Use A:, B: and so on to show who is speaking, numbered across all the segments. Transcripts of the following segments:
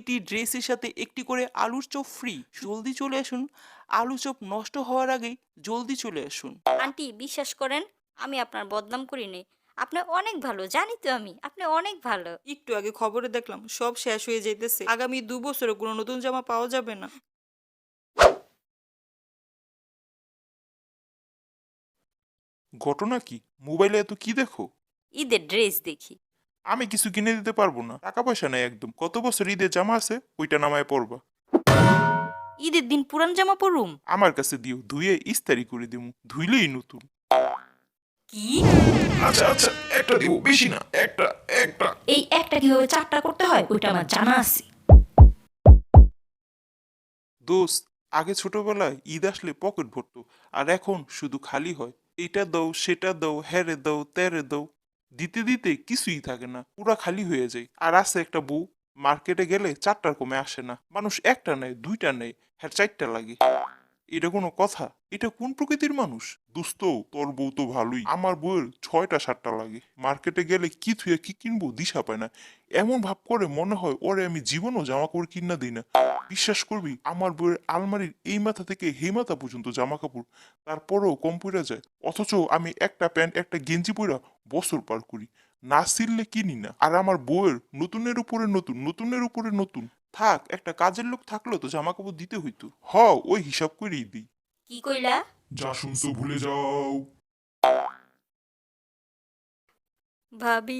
A: প্রতিটি ড্রেসের সাথে একটি করে আলুর চপ ফ্রি। জলদি চলে আসুন, আলু চপ নষ্ট হওয়ার আগেই জলদি চলে আসুন।
B: আন্টি বিশ্বাস করেন, আমি আপনার বদনাম করি নাই। আপনি অনেক ভালো, জানি তো আমি। আপনি অনেক ভালো।
C: একটু আগে খবরে দেখলাম সব শেষ হয়ে যাইতেছে, আগামী 2 বছরে কোনো নতুন জামা পাওয়া যাবে না।
D: ঘটনা কি? মোবাইলে এত কি দেখো?
B: ঈদের ড্রেস দেখি।
D: আমি কিছু কিনে দিতে পারবো না, টাকা পয়সা নাই একদম। কত বছর ঈদের জামা আছে, ওইটা নামায় পরবা।
B: ঈদের দিন পুরান জামা পরুম?
D: আমার কাছে দিও, ধুয়ে ইস্তারি করে দিমু, ধুইলেই নতুন।
B: কি?
D: আচ্ছা আচ্ছা, একটা দিব, বেশি না, একটা একটা।
B: এই একটা কিভাবে চারটা করতে হয় ওইটা আমার জানা আছে।
D: দোস্ত, আগে ছোটবেলায় ঈদ আসলে পকেট ভরতো, আর এখন শুধু খালি হয়। এইটা দাও, সেটা দাও, হ্যারে দাও, ত্যারে দাও, দিতে দিতে কিছুই থাকে না, পুরা খালি হয়ে যায়। আর আছে একটা বউ, মার্কেটে গেলে চারটার কমে আসে না। মানুষ একটা নেয়, দুইটা নেয়, হ্যাঁ চারটা লাগে। এটা কোনো কথা? এটা কোন প্রকৃতির মানুষ? দোস্ত, তোর বউ তো ভালোই, আমার বউয়ের 6টা 7টা লাগে। মার্কেটে গেলে কি থুয়ে কি কিনবো দিশা পায় না। এমন ভাব করে মনে হয় ওরে আমি জীবনও জামা কাপড় কিনা দিই না। বিশ্বাস করবি, আমার বউয়ের আলমারির এই মাথা থেকে হে মাথা পর্যন্ত জামা কাপড়, তারপরেও কম পড়ে যায়। অথচ আমি একটা প্যান্ট একটা গেঞ্জি পরা বছর পার করি, না ছিললে কিনি না। আর আমার বউয়ের নতুনের উপরে নতুন, নতুনের উপরে নতুন। থাক, একটা কাজের লোক থাকলেও তো জামা কাপড় দিতে হইতো। ওই হিসাব করেই দিই।
B: কি কইলা?
D: যা শুনছো ভুলে যাও।
B: ভাবি।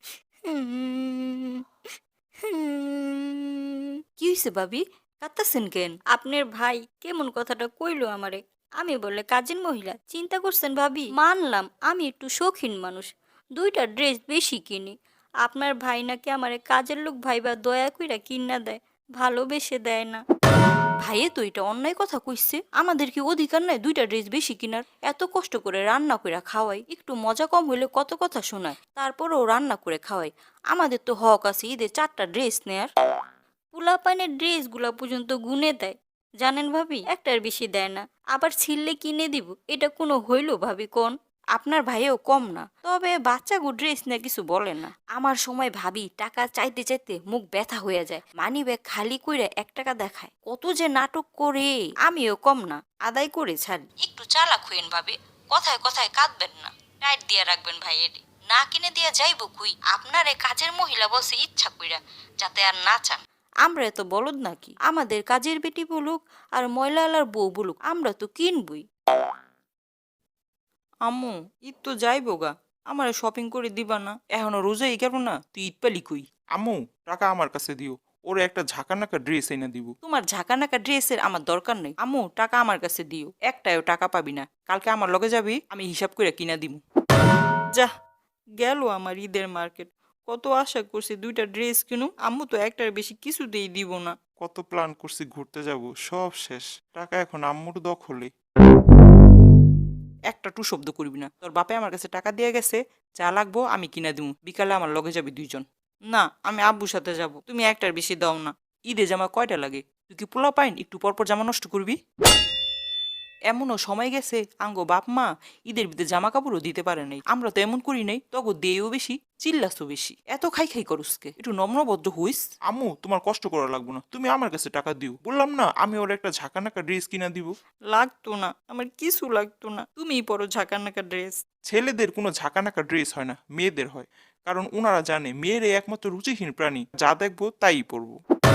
B: কি হয়েছে ভাবি? কাঁদতাছেন কেন? আপনার ভাই কেমন কথাটা কইলো আমারে। আমি বলে কাজের মহিলা, চিন্তা করছেন ভাবি? মানলাম আমি একটু শৌখিন মানুষ, দুইটা ড্রেস বেশি কিনি। আপনার ভাই নাকি আমারে কাজের লোক ভাইবা দয়া কইরা কিনা দেয়, ভালোবেসে দেয় না। ভাইয়ে তো এটা অন্যায় কথা কইছে। আমাদের কি অধিকার নাই দুইটা ড্রেস বেশি কিনার? এত কষ্ট করে রান্না করে খাওয়াই, একটু মজা কম হইলে কত কথা শোনায়, তারপরেও রান্না করে খাওয়াই। আমাদের তো হক আছে ঈদের চারটা ড্রেস নেয়ার। পোলাপানের ড্রেস গুলা পর্যন্ত গুনে দেয়, জানেন ভাবি? একটার বেশি দেয় না, আবার ছিললে কিনে দিব। এটা কোনো হইল ভাবি কোন? আপনার ভাইও কম না, তবে বাচ্চাগো ড্রেস নিয়ে কিছু বলে না। আমার সময় ভাবি টাকা চাইতে চাইতে মুখ ব্যথা হয়ে যায়, মানি ব্যাগ খালি কইরা 1 টাকা দেখায়, কত যে নাটক করে। আমিও কম না, আদায় করে ছাড়ি। একটু চালাক হইন ভাবি, কথায় কথায় কাঁদবেন না, টাইট দিয়া রাখবেন ভাইয়ের। না কিনে দিয়া যাইব কুই? আপনারে কাজের মহিলা বসে ইচ্ছা কইরা, যাতে আর না চান। আমরা এত বলদ নাকি? আমাদের কাজের বেটি বলুক আর ময়লালার বউ বলুক, আমরা তো কিনবই।
C: আম্মু, ঈদ তো যাইবো গা, আমার শপিং করে দিবা না? এখনো রোজাই গেল না, তুই ঈদ পালি কই?
A: আম্মু, টাকা আমার কাছে দিও, ওরে একটা ঝাঁকানাকা ড্রেস এনে দিব।
C: তোমার ঝাঁকানাকা ড্রেসের আমার দরকার নেই আম্মু, টাকা আমার কাছে দিও। একটাও টাকা পাবি না, কালকে আমার লগে যাবি, আমি হিসাব করে কিনা দিব। যা, গেল আমার ঈদের মার্কেট। কত আশা করছি দুইটা ড্রেস কিনু, আম্মু তো একটার বেশি কিছুতেই দিব না।
A: কত প্ল্যান করছি ঘুরতে যাব, সব শেষ। টাকা এখন আম্মুর দখলে।
C: একটা টু শব্দ করবি না, তোর বাপে আমার কাছে টাকা দিয়ে গেছে, যা লাগবো আমি কিনা দিব। বিকালে আমার লগে যাবি দুইজন। না, আমি আব্বুর সাথে যাব, তুমি একটার বেশি দাও না। ঈদে জামা কয়টা লাগে? তুই কি পোলা পাইন একটু পরপর জামা নষ্ট করবি? এমনও সময় গেছে আঙ্গো বাপ মা ঈদের ভিতরে জামা কাপড়ও দিতে পারে নাই। আমরা তো এমন করি নাই, তগো দেও বেশি, চিল্লাসও বেশি। এত খাই খাই করুসকে, একটু নম্রভদ্র হইস।
A: আম্মু, তোমার কষ্ট করা লাগবে না, তুমি আমার কাছে টাকা দিও। বললাম না, আমি ওর একটা ঝাঁকানাকা ড্রেস কিনা দিব।
C: লাগতো না, আমার কিছু লাগতো না, তুমিই পরো ঝাঁকানাকা ড্রেস।
A: ছেলেদের কোনো ঝাঁকানাকা ড্রেস হয় না, মেয়েদের হয়। কারণ ওনারা জানে মেয়েরে একমাত্র রুচিহীন প্রাণী, যা দেখবো তাই পরবো।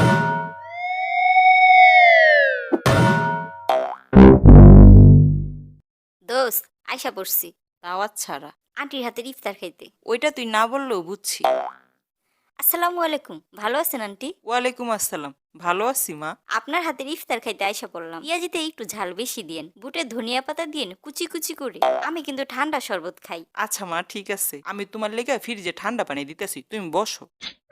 B: দোস্ত, আয়সা পড়ছি
C: দাওয়াত ছাড়া।
B: আন্টির হাতের ইফতার খাইতে।
C: ওইটা তুই না বললেও বুঝছি।
B: আসসালামু আলাইকুম, ভালো আছেন আন্টি?
C: ওয়ালাইকুম আসসালাম, ভালো আছি মা।
B: আপনার হাতের ইফতার খাইতে আইসা পড়লাম। পেঁয়াজিতে একটু ঝাল বেশি দিয়েন, বুটে ধনিয়া পাতা দিয়েন কুচি কুচি করে। আমি কিন্তু ঠান্ডা শরবত খাই।
C: আচ্ছা মা, ঠিক আছে, আমি তোমার লেগে ফ্রিজে ঠান্ডা পানি দিতেছি, তুমি বসো।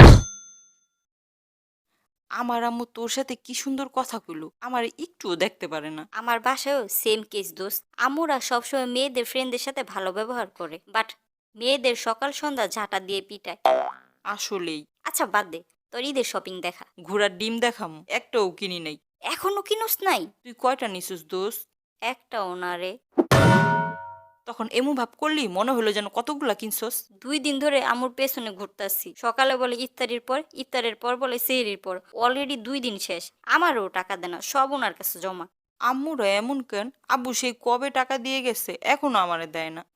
C: আমার আম্মু তোর সাথে কি সুন্দর কথা কইলো, আমার একটুও দেখতে পারে না।
B: আমার বাসায়ও সেম কেস দোস্ত। আম্মুরা সবসময় মেয়েদের ফ্রেন্ডদের সাথে ভালো ব্যবহার করে, বাট মেয়েদের সকাল সন্ধ্যা ঝাঁটা দিয়ে পিটায়।
C: আসলেই।
B: আচ্ছা বাদ দে, তোর ঈদের শপিং দেখা।
C: ঘোড়ার ডিম দেখাম, একটাও কিনি নাই।
B: এখনো কিনোস নাই?
C: তুই কয়টা নিছিস দোস্ত?
B: একটা ওনারে।
C: তখন এমু ভাব করলি মনে হলো যেন কতগুলা কিনছস।
B: 2 দিন ধরে আমুর পেছনে ঘুরতাছি। সকালে বলে ইফতারির পর, ইফতারের পর বলে সেহরির পর। অলরেডি 2 দিন শেষ। আমারও টাকা দেনা, সব ওনার কাছে জমা।
C: আম্মুরা এমন কেন? আব্বু সেই কবে টাকা দিয়ে গেছে, এখনো আমারে দেয় না।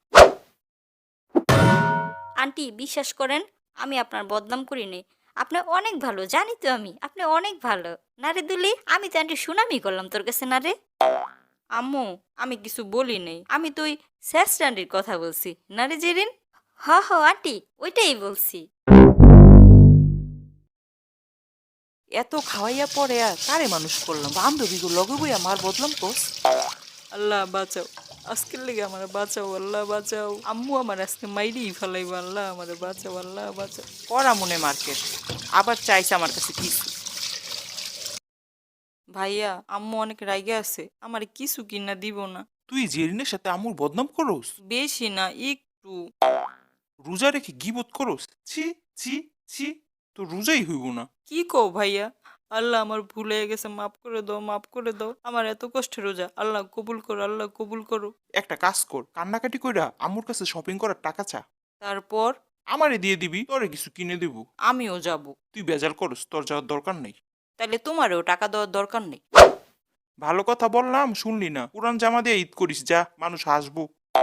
B: আন্টি বিশ্বাস করেন, আমি আপনার বদনাম করি নাই। আপনি অনেক ভালো, জানি তো আমি। আপনি অনেক ভালো। না রে দুলি, আমি তো আন্টি সুনামি করলাম তোর কাছে না রে।
C: আম্মু, আমি কিছু বলি নাই, আমি তো ওই স্যাসরান্ডির কথা বলছি না রে জেরিন।
B: হ হ আন্টি, ওইটাই বলছি।
C: এত খাওয়াইয়া পরে আর কারে মানুষ করলাম, বান্ধবীগুলো লগে বইয়া মার বদলাম কোস। আল্লাহ বাঁচাও, আজকের লেগে আমার বাঁচাও, আল্লাহ বাঁচাও। আম্মু আমার আজকে মাইরেই ফেলাইব, আল্লাহ আমার বাঁচাও, আল্লাহ বাঁচাও। করা মনে মার্কেট আবার চাইছে আমার কাছে কিছু। ভাইয়া, আম্মু অনেক রাইগে আছে, আমার কিছু কিনা দিব না।
D: তুই জেরিনের সাথে আমুর বদনাম করস?
C: বেশি না, একটু।
D: রোজা রেখে গিবত করস? ছি ছি ছি, তো রোজাই হইব না।
C: কি কও ভাইয়া? আল্লাহ আমার ভুল হয়ে গেছে, মাফ করে দাও, মাফ করে দাও। আমার এত কষ্টের রোজা, আল্লাহ কবুল করো, আল্লাহ কবুল করো।
D: একটা কাজ কর, কান্নাকাটি কইরা আম্মুর কাছে শপিং করার টাকা চা,
C: তারপর
D: আমারে দিয়ে দিবি, তোরে কিছু কিনে দিব।
C: আমিও যাব।
D: তুই বেজাল করস, তোর যাওয়ার দরকার নেই।
C: তাইলে তোমারও টাকা দেওয়ার দরকার নেই।
D: ভালো কথা বললাম, শুনলি না? পুরান জামা দিয়ে ঈদ করিস, যা, মানুষ হাসবো।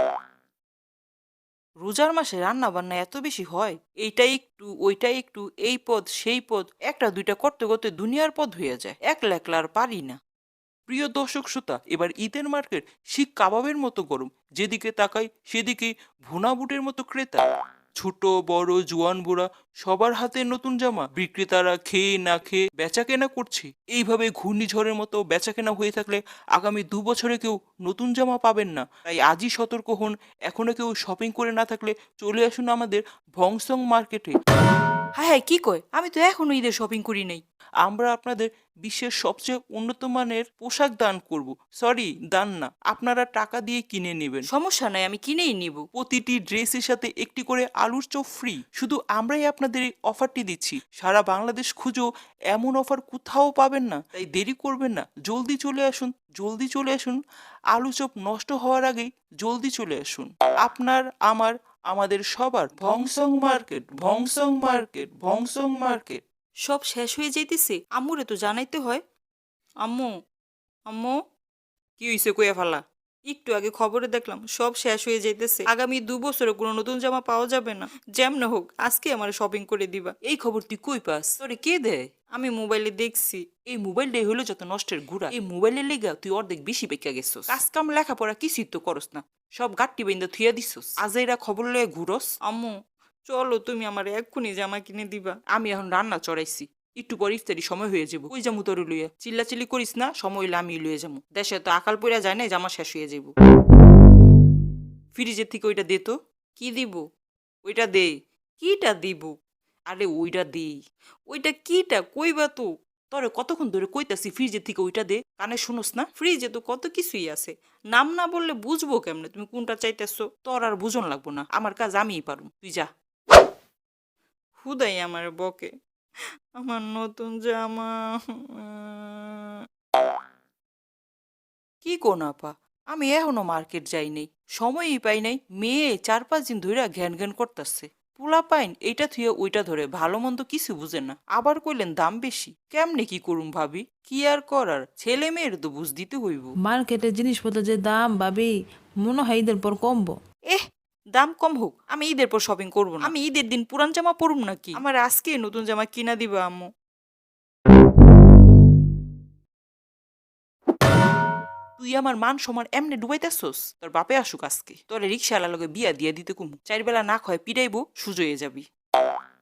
C: রোজার মাসে রান্না বান্না এত বেশি হয়, এইটা একটু ওইটা একটু, এই পদ সেই পদ, একটা দুইটা করতে করতে দুনিয়ার পদ হয়ে যায়, একলা একলা আর পারি না।
A: প্রিয় দর্শক শ্রোতা, এবার ঈদের মার্কেট শিক কাবাবের মতো গরম। যেদিকে তাকাই সেদিকে ভুনা বুটের মতো ক্রেতা। ছোট বড় জোয়ান বুড়া সবার হাতে নতুন জামা। বিক্রেতারা খেয়ে না খেয়ে বেচা কেনা করছে। এইভাবে ঘূর্ণিঝড়ের মতো বেচা কেনা হয়ে থাকলে আগামী 2 বছরে কেউ নতুন জামা পাবেন না। তাই আজই সতর্ক হন। এখনো কেউ শপিং করে না থাকলে চলে আসুন আমাদের ভংসং মার্কেটে।
C: হ্যাঁ হ্যাঁ, কি কয়? আমি তো এখনো ঈদের শপিং করি নাই।
A: আমরা আপনাদের বিশ্বের সবচেয়ে উন্নত মানের পোশাক দান করব। সরি, দান না, আপনারা টাকা দিয়ে কিনে নেবেন।
C: সমস্যা নাই, আমি কিনেই নিব।
A: প্রতিটি ড্রেসের সাথে একটি করে আলুর চপ ফ্রি। শুধু আমরাই আপনাদের এই অফারটি দিচ্ছি। সারা বাংলাদেশ খুঁজো এমন অফার কোথাও পাবেন না। তাই দেরি করবেন না, জলদি চলে আসুন, জলদি চলে আসুন। আলু চপ নষ্ট হওয়ার আগেই জলদি চলে আসুন। আপনার, আমার, আমাদের সবার ভংসং মার্কেট, ভংসং মার্কেট, ভংসং মার্কেট।
C: সব শেষ হয়ে যাইতেছে, আম্মুরে তো জানাইতে হয়। আম্মু, আম্মু, কি হইছে কইয়া ফালা? একটু আগে খবরে দেখলাম সব শেষ হয়ে যাইতেছে, আগামী 2 বছরে কোনো নতুন জামা পাওয়া যাবে না। যেমন হোক আজকে আমার শপিং করে দিবা।
A: এই খবর তুই কই পাস?
C: তোরে কে দেয়? আমি মোবাইলে দেখছি।
A: এই মোবাইলটাই হলো যত নষ্টের ঘুরা। এই মোবাইলের লেগা তুই অর্ধেক বেশি পেকা গেছস। কাজ কাম লেখাপড়া কিছুই তো করস না, সব গাট্টি বাইন্দা থুইয়া দিছস। আজাইরা খবর লয়ে ঘুরস।
C: আম্মু, চলো তুমি আমার এক্ষুনি জামা কিনে দিবা।
A: আমি এখন রান্না চড়াইছি, একটু পর ইফতারি সময় হয়ে যাবো। কই যামু তোর লইয়া? চিল্লাচিল্লি করিস না, সময় হইলে আমি লইয়া যাবো। দেশে তো আকাল পইরা যায় না, জামা শেষ হয়ে যাবো। ফ্রিজের থেকে ওইটা দে তো।
C: কি দিব?
A: ওইটা দে।
C: কিটা দিব?
A: আরে ওইটা দে।
C: ওইটা কিটা কইবা তো?
A: তোরে কতক্ষণ ধরে কইতাছি ফ্রিজের থেকে ওইটা দে, কানে শুনোস না?
C: ফ্রিজে তো কত কিছুই আছে, নাম না বললে বুঝবো কেমনে তুমি কোনটা চাইতেছো?
A: তোর আর বুঝন লাগবো না, আমার কাজ আমিই পারুম, তুই যা।
C: হুদাই আমার বকে, আমার নতুন জামা।
A: কি কোন আপা, আমি এখনো মার্কেট যাই নাই, সময়ই পাই নাই। মেয়ে 4-5 দিন ধরে ঘ্যান ঘ্যান করতেছে। পোলা পাইন এইটা থুয়ে ওইটা ধরে, ভালো মন্দ কিছু বুঝে না। আবার কইলেন দাম বেশি, কেমনে কি করুম ভাবি? কি আর করার, ছেলে মেয়ের তো বুঝ দিতে হইব।
E: মার্কেটের জিনিসপত্রের যে দাম ভাবি, মনে হয় ঈদের পর কমবো।
C: দাম কম হোক, আমি ঈদের পর শপিং করবো না। আমি ঈদের দিন পুরান জামা পরুম নাকি? আমার আজকে নতুন জামা কিনা দিবা আম্মু।
A: তুই আমার মান সম্মান এমনি ডুবাইতেছস? তোর বাপে আসুক আজকে, তোর রিক্সাওয়ালা লগে বিয়া দিয়া দিতে কুমু। 4 বেলা না খয় পিড়াইবো, সুজয়ে যাবি।